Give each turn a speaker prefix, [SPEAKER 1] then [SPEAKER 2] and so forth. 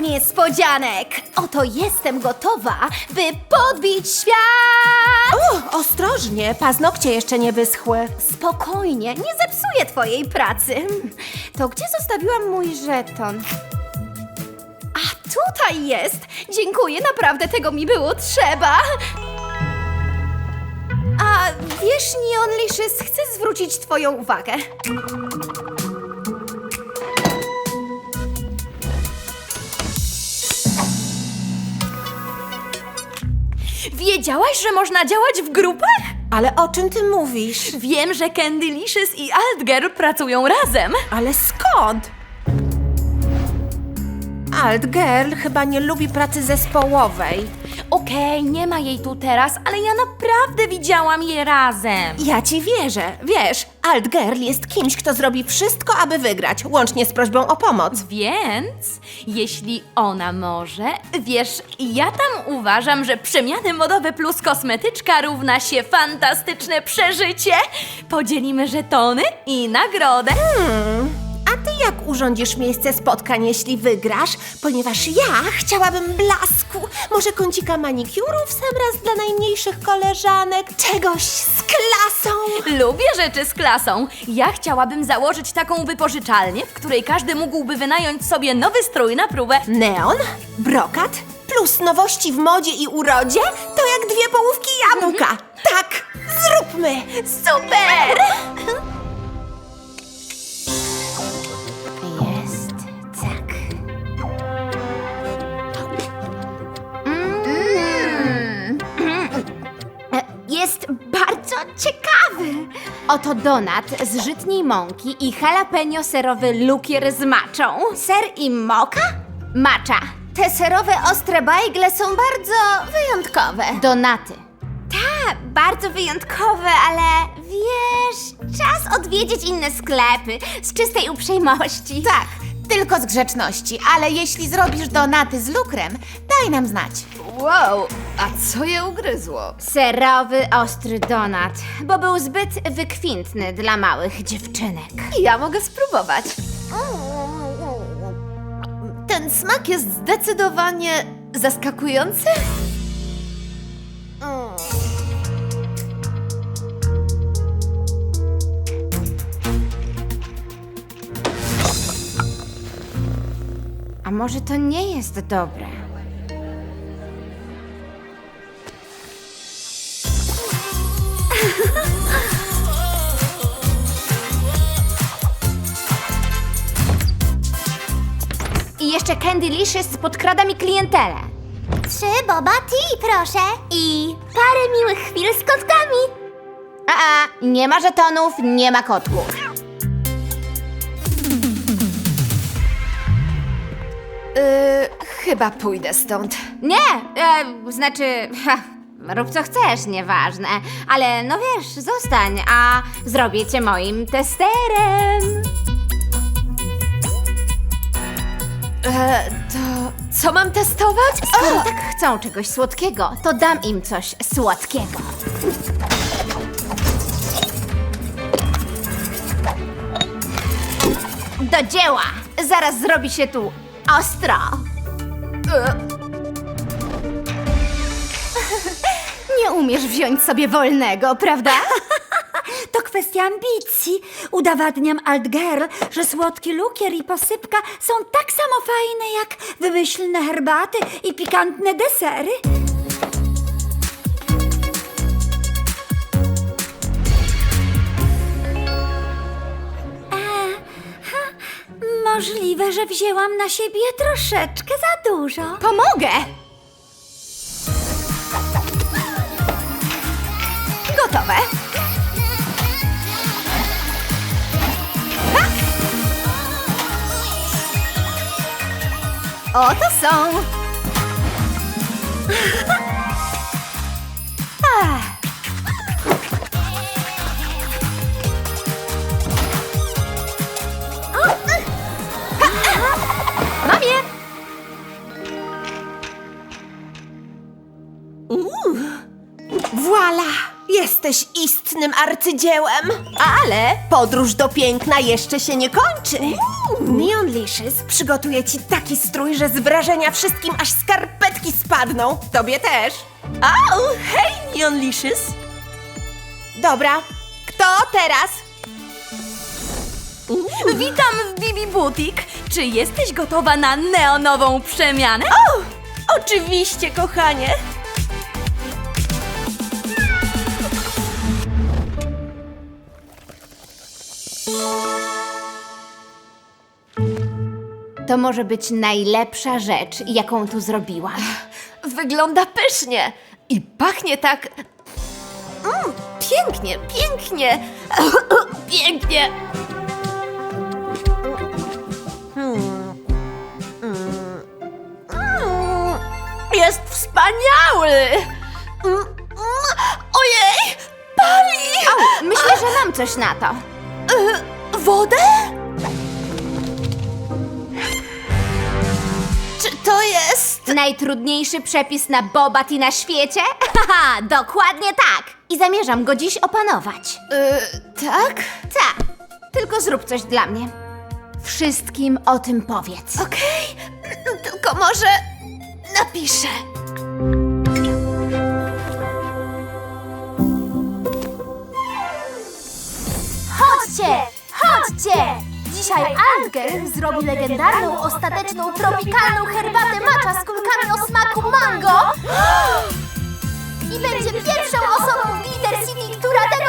[SPEAKER 1] niespodzianek! Oto jestem gotowa, by podbić świat!
[SPEAKER 2] Ostrożnie, paznokcie jeszcze nie wyschły.
[SPEAKER 1] Spokojnie, nie zepsuję twojej pracy. To gdzie zostawiłam mój żeton? A tutaj jest! Dziękuję, naprawdę tego mi było trzeba! A wiesz, Neon Licious, chcę zwrócić twoją uwagę. Wiedziałaś, że można działać w grupach?
[SPEAKER 2] Ale o czym ty mówisz?
[SPEAKER 1] Wiem, że Candy Licious i Altgirl pracują razem.
[SPEAKER 2] Ale skąd? Altgirl chyba nie lubi pracy zespołowej.
[SPEAKER 1] Okej, nie ma jej tu teraz, ale ja naprawdę widziałam je razem.
[SPEAKER 2] Ja ci wierzę. Wiesz, Altgirl jest kimś, kto zrobi wszystko, aby wygrać, łącznie z prośbą o pomoc.
[SPEAKER 1] Więc, jeśli ona może, wiesz, ja tam uważam, że przemiany modowe plus kosmetyczka równa się fantastyczne przeżycie. Podzielimy żetony i nagrodę.
[SPEAKER 2] A ty jak urządzisz miejsce spotkań, jeśli wygrasz? Ponieważ ja chciałabym blasku, może kącika manikiurów w sam raz dla najmniejszych koleżanek, czegoś z klasą.
[SPEAKER 1] Lubię rzeczy z klasą. Ja chciałabym założyć taką wypożyczalnię, w której każdy mógłby wynająć sobie nowy strój na próbę.
[SPEAKER 2] Neon, brokat, plus nowości w modzie i urodzie, to jak dwie połówki jabłka. Tak, zróbmy!
[SPEAKER 1] Super!
[SPEAKER 3] Jest tak. Jest bardzo ciekawy. Oto donat z żytniej mąki i jalapeno serowy lukier z maczą. Ser i moka? Macza. Te serowe ostre bajgle są bardzo wyjątkowe. Donaty. Tak, bardzo wyjątkowe, ale wiesz, czas odwiedzić inne sklepy z czystej uprzejmości.
[SPEAKER 4] Tak, tylko z grzeczności, ale jeśli zrobisz donaty z lukrem, daj nam znać.
[SPEAKER 1] Wow, a co je ugryzło?
[SPEAKER 3] Serowy, ostry donat, bo był zbyt wykwintny dla małych dziewczynek.
[SPEAKER 1] Ja mogę spróbować. Ten smak jest zdecydowanie zaskakujący.
[SPEAKER 3] A może to nie jest dobre? I jeszcze Candy Licious podkrada mi klientelę.
[SPEAKER 5] 3 boba tea, proszę.
[SPEAKER 3] I
[SPEAKER 5] Parę miłych chwil z kotkami.
[SPEAKER 3] nie ma żetonów, nie ma kotków.
[SPEAKER 1] Chyba pójdę stąd.
[SPEAKER 3] Nie, rób co chcesz, nieważne. Ale no wiesz, zostań, a zrobię cię moim testerem.
[SPEAKER 1] To co mam testować?
[SPEAKER 3] Skoro tak chcą czegoś słodkiego, to dam im coś słodkiego. Do dzieła! Zaraz zrobi się tu ostro.
[SPEAKER 1] Nie umiesz wziąć sobie wolnego, prawda?
[SPEAKER 6] To kwestia ambicji. Udowadniam Altgirl, że słodki lukier i posypka są tak samo fajne jak wymyślne herbaty i pikantne desery. Możliwe, że wzięłam na siebie troszeczkę za dużo.
[SPEAKER 1] Pomogę! Gotowe. Ha! Oto są. Mam je!
[SPEAKER 2] Voila! Jesteś jesteś istnym arcydziełem. Ale podróż do piękna jeszcze się nie kończy. Neonlicious przygotuje ci taki strój, że z wrażenia wszystkim aż skarpetki spadną. Tobie też. Au, hej, Neonlicious. Dobra, kto teraz?
[SPEAKER 1] Witam w Bibi Boutique. Czy jesteś gotowa na neonową przemianę?
[SPEAKER 2] Oczywiście, kochanie.
[SPEAKER 3] To może być najlepsza rzecz, jaką tu zrobiłam.
[SPEAKER 1] Wygląda pysznie i pachnie tak... pięknie, pięknie, pięknie. Jest wspaniały! Ojej, pali!
[SPEAKER 3] Au, myślę, że mam coś na to.
[SPEAKER 1] Wodę? Czy to jest...
[SPEAKER 3] Najtrudniejszy przepis na bobat i na świecie? Haha, dokładnie tak. I zamierzam go dziś opanować.
[SPEAKER 1] tak?
[SPEAKER 3] Tak, tylko zrób coś dla mnie. Wszystkim o tym powiedz.
[SPEAKER 1] Okej, tylko może napiszę.
[SPEAKER 5] Chodźcie! Chodźcie! Dzisiaj Altger zrobi legendarną, ostateczną, tropikalną herbatę matcha z kulkami o smaku mango i będzie pierwszą osobą w Glitter City, która